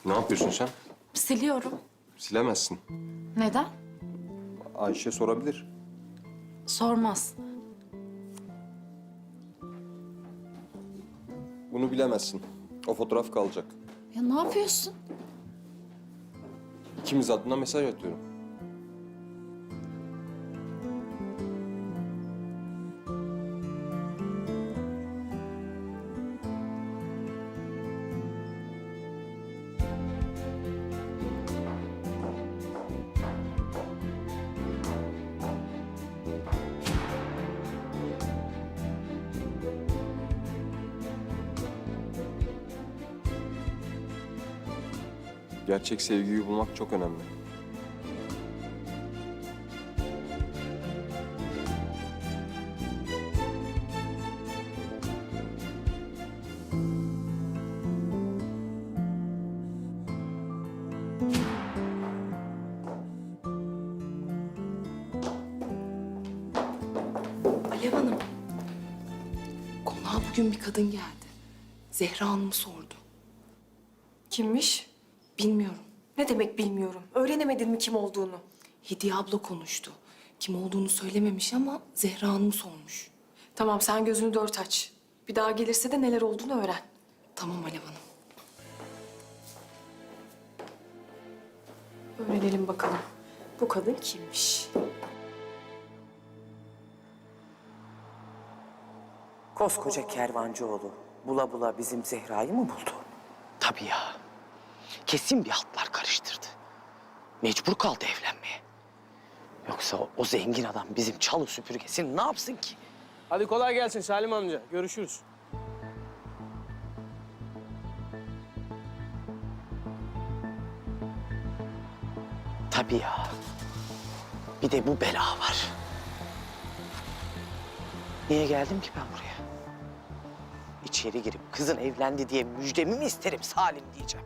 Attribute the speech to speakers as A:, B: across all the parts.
A: Ne yapıyorsun sen?
B: Siliyorum.
A: Silemezsin.
B: Neden?
A: Ayşe sorabilir.
B: Sormaz.
A: Bunu bilemezsin. O fotoğraf kalacak.
B: Ya ne yapıyorsun?
A: İkimiz adına mesaj atıyorum. Gerçek sevgiyi bulmak çok önemli.
C: Alev Hanım, konağa bugün bir kadın geldi. Zehra Hanım'ı sordu.
D: Kimmiş?
C: Bilmiyorum.
D: Ne demek bilmiyorum. Öğrenemedin mi kim olduğunu?
C: Hediye abla konuştu. Kim olduğunu söylememiş ama Zehra Hanım'ı sormuş.
D: Tamam sen gözünü dört aç. Bir daha gelirse de neler olduğunu öğren.
C: Tamam Alev Hanım.
D: Öğrenelim bakalım. Bu kadın kimmiş?
E: Koskoca kervancıoğlu bula bula bizim Zehra'yı mı buldu?
F: Tabii ya. Kesin bir hatlar karıştırdı. Mecbur kaldı evlenmeye. Yoksa o zengin adam bizim çalı süpürgesini ne yapsın ki?
G: Hadi kolay gelsin Salim amca. Görüşürüz.
F: Tabii ya. Bir de bu bela var. Niye geldim ki ben buraya? İçeri girip kızın evlendi diye müjdemi mi isterim Salim diyeceğim.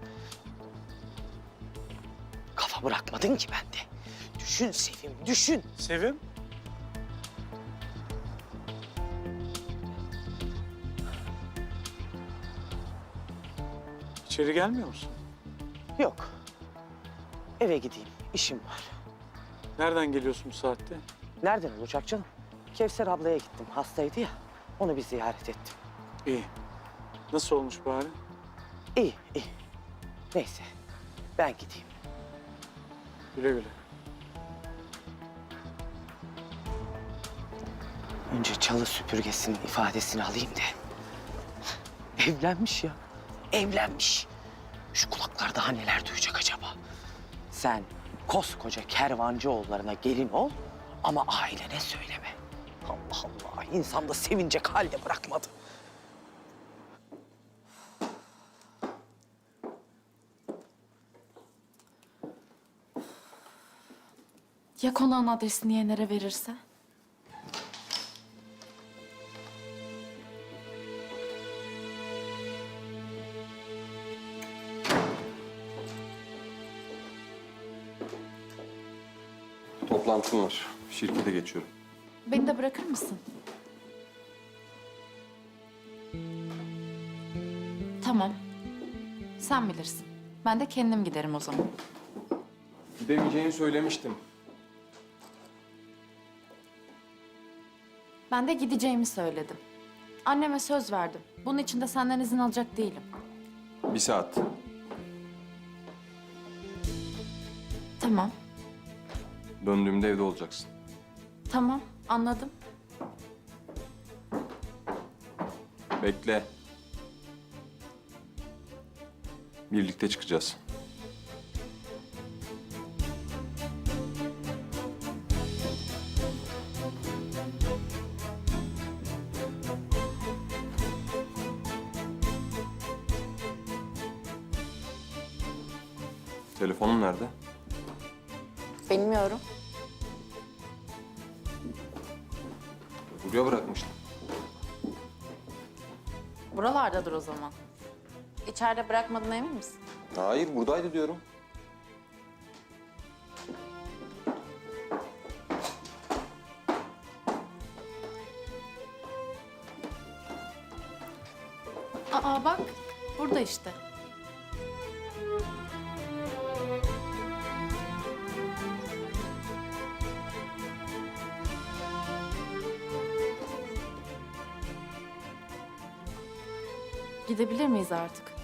F: Kafa bırakmadın ki bende. Düşün Sevim, düşün.
G: Sevim? İçeri gelmiyor musun?
F: Yok. Eve gideyim, işim var.
G: Nereden geliyorsun bu saatte?
F: Nereden olacak canım? Kevser ablaya gittim, hastaydı ya. Onu bir ziyaret ettim.
G: İyi. Nasıl olmuş bari?
F: İyi, iyi. Neyse, ben gideyim.
G: Güle güle.
F: Önce çalı süpürgesinin ifadesini alayım da. Evlenmiş ya, evlenmiş. Şu kulaklar daha neler duyacak acaba? Sen koskoca kervancıoğullarına gelin ol ama ailene söyleme. Allah Allah, insan da sevinecek halde bırakmadı.
B: Ya konağın adresini Yener'e verirse?
A: Toplantım var. Şirkete geçiyorum.
B: Beni de bırakır mısın? Tamam. Sen bilirsin. Ben de kendim giderim o zaman.
A: Gidemeyeceğini söylemiştim.
B: Ben de gideceğimi söyledim. Anneme söz verdim. Bunun için de senden izin alacak değilim.
A: Bir saat.
B: Tamam.
A: Döndüğümde evde olacaksın.
B: Tamam. Anladım.
A: Bekle. Birlikte çıkacağız. Telefonun nerede?
B: Bilmiyorum.
A: Buraya bırakmıştım.
B: Buralardadır o zaman. İçeride bırakmadığına emin misin?
A: Hayır, buradaydı diyorum.
B: Aa bak, burada işte. Gidebilir miyiz artık?